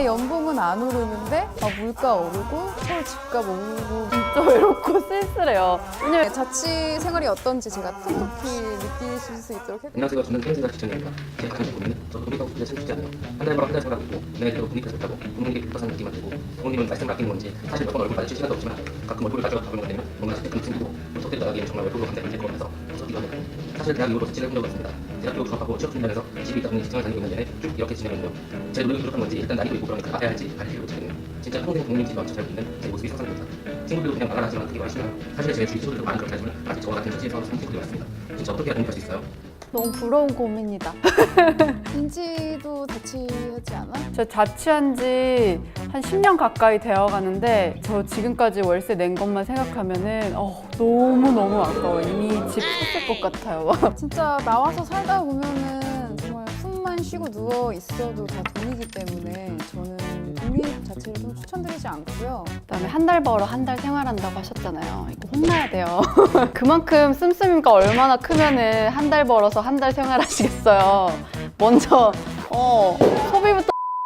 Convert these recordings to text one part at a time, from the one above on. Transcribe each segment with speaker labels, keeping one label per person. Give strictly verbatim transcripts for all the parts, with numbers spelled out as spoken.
Speaker 1: 내 연봉은 안 오르는데 아, 물가 오르고 서울 집값 오르고 진짜 외롭고 쓸쓸해요. 왜냐면 자취 생활이 어떤지 제가 톡톡히 느끼실 수 있도록 해드릴게요.
Speaker 2: 안녕하세요. 저는 평생자 시청자입니다. 제 가장 큰 고민은 저도 독립하고 싶은데 참 쉽지 않아요. 한 달 벌어 한 달 생각하고 내가 독립해서 있다고 부모님께 불쌍한 느낌만 들고 부모님은 말씀을 아끼는 건지 사실 몇 번 얼굴 마주칠 시간도 없지만 가끔 얼굴을 가져가 보는 것 되면 뭔가 스펙감이 생기고 톡톡히 나가기엔 정말 외롭고 감정이 될것 같아서 무섭기도 합니다. 사실 대학 이후로 자취를 해본 적이 없습니다. 대학교 졸업하고 취업 준비하면서 집이 있다 보니 직장을 다니고 있는 내내 쭉 이렇게 지내면요. 제 노력이 부족한 건지 일단 나이도 있고 그러니까 나가야 할지 갈 필요가 있거든요. 진짜 평생 부모님 집 앞에 살고 있는 제 모습이 상상됩니다. 친구들도 그냥 말을 하지만 그게 훨씬 사실 제 주위 친구들도 많이 그렇게 하지만 아직 저와 같은 처지에서 사는 친구들이 많습니다. 진짜 어떻게 해야 독립할 수 있어요?
Speaker 1: 너무 부러운 고민이다. 인지도 자취하지 않아?
Speaker 3: 저 자취한 지 한 십 년 가까이 되어 가는데 저 지금까지 월세 낸 것만 생각하면은 어, 너무너무 아까워. 이미 집 샀을 것 같아요.
Speaker 1: 진짜 나와서 살다 보면은 정말 숨만 쉬고 누워 있어도 다 돈이기 때문에 저는 독립 자체를 좀 추천드리지 않고요.
Speaker 3: 그다음에 한 달 벌어 한 달 생활한다고 하셨잖아요. 이거 혼나야 돼요. 그만큼 씀씀이가 얼마나 크면은 한 달 벌어서 한 달 생활하시겠어요. 먼저 어, 소비부터.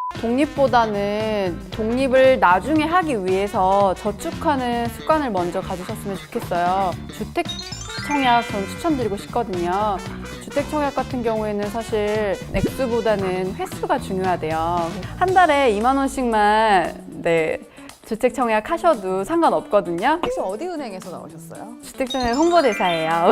Speaker 3: 독립보다는 독립을 나중에 하기 위해서 저축하는 습관을 먼저 가지셨으면 좋겠어요. 주택 청약 전 추천드리고 싶거든요. 주택 청약 같은 경우에는 사실 액수보다는 횟수가 중요하대요. 한 달에 이만 원씩만 네, 주택 청약 하셔도 상관없거든요.
Speaker 1: 혹시 어디 은행에서 나오셨어요?
Speaker 3: 주택 청약 홍보대사예요.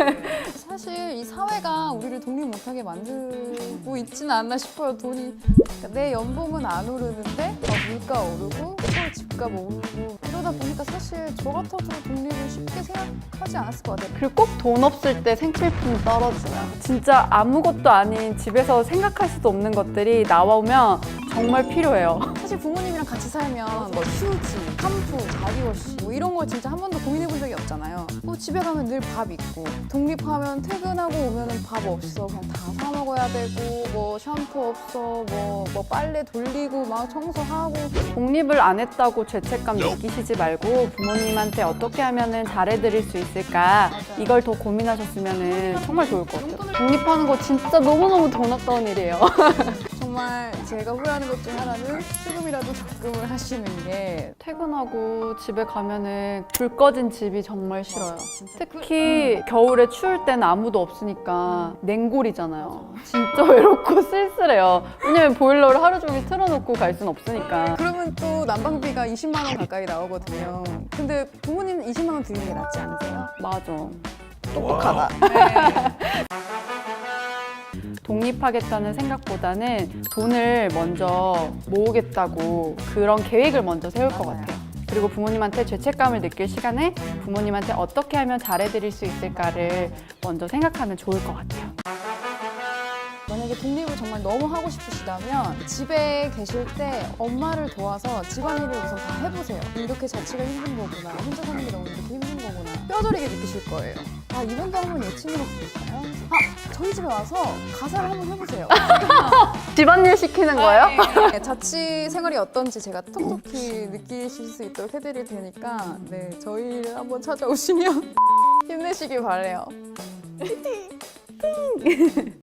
Speaker 1: 사실 이 사회가 우리를 독립 못하게 만들고 있지는 않나 싶어요. 돈이 그러니까 내 연봉은 안 오르는데 막 물가 오르고 서울 집값 오르고 이러다 보니까 사실 저 같아도 독립을 쉽게 생각하지 않았을 것 같아요.
Speaker 3: 그리고 꼭 돈 없을 때 생필품이 떨어져요. 진짜 아무것도 아닌 집에서 생각할 수도 없는 것들이 나오면 정말 필요해요.
Speaker 1: 사실 부모님이랑 같이 살면 뭐 휴지, 샴푸, 바디워시 뭐 이런 거 진짜 한 번도 고민해 본 적이 없잖아요. 뭐 집에 가면 늘 밥 있고 독립하면 퇴근하고 오면은 밥 없어 그냥 다 사 먹어야 되고 뭐 샴푸 없어 뭐, 뭐 빨래 돌리고 막 청소하고.
Speaker 3: 독립을 안 했다고 죄책감 느끼시지 말고 부모님한테 어떻게 하면 잘해드릴 수 있을까 이걸 더 고민하셨으면 정말 좋을 것 같아요. 독립하는 거 진짜 너무너무 돈 아까운 일이에요.
Speaker 1: 정말 제가 후회하는 것 중 하나는 조금이라도 적금을 하시는 게.
Speaker 3: 퇴근하고 집에 가면은 불 꺼진 집이 정말 싫어요. 특히 겨울에 추울 때는 아무도 없으니까 냉골이잖아요. 진짜 외롭고 쓸쓸해요. 왜냐면 보일러를 하루 종일 틀어놓고 갈 순 없으니까.
Speaker 1: 그러면 또 난방비가 이십만 원 가까이 나오거든요. 근데 부모님은 이십만 원 드리는 게 낫지 않으세요?
Speaker 3: 맞아.
Speaker 1: 똑똑하다.
Speaker 3: 독립하겠다는 생각보다는 돈을 먼저 모으겠다고 그런 계획을 먼저 세울 것 같아요. 그리고 부모님한테 죄책감을 느낄 시간에 부모님한테 어떻게 하면 잘해드릴 수 있을까를 먼저 생각하면 좋을 것 같아요.
Speaker 1: 만약에 독립을 정말 너무 하고 싶으시다면 집에 계실 때 엄마를 도와서 집안일을 우선 다 해보세요. 이렇게 자취가 힘든 거구나, 혼자 사는 게 너무 이렇게 힘든 거구나 뼈저리게 느끼실 거예요. 아, 이번도 한번 예칭해서 볼까요? 아, 저희 집에 와서 가사를 한번 해보세요.
Speaker 3: 집안일 시키는 거예요?
Speaker 1: 네, 자취 생활이 어떤지 제가 톡톡히 느끼실 수 있도록 해드릴 테니까 네, 저희를 한번 찾아오시면 힘내시길 바래요.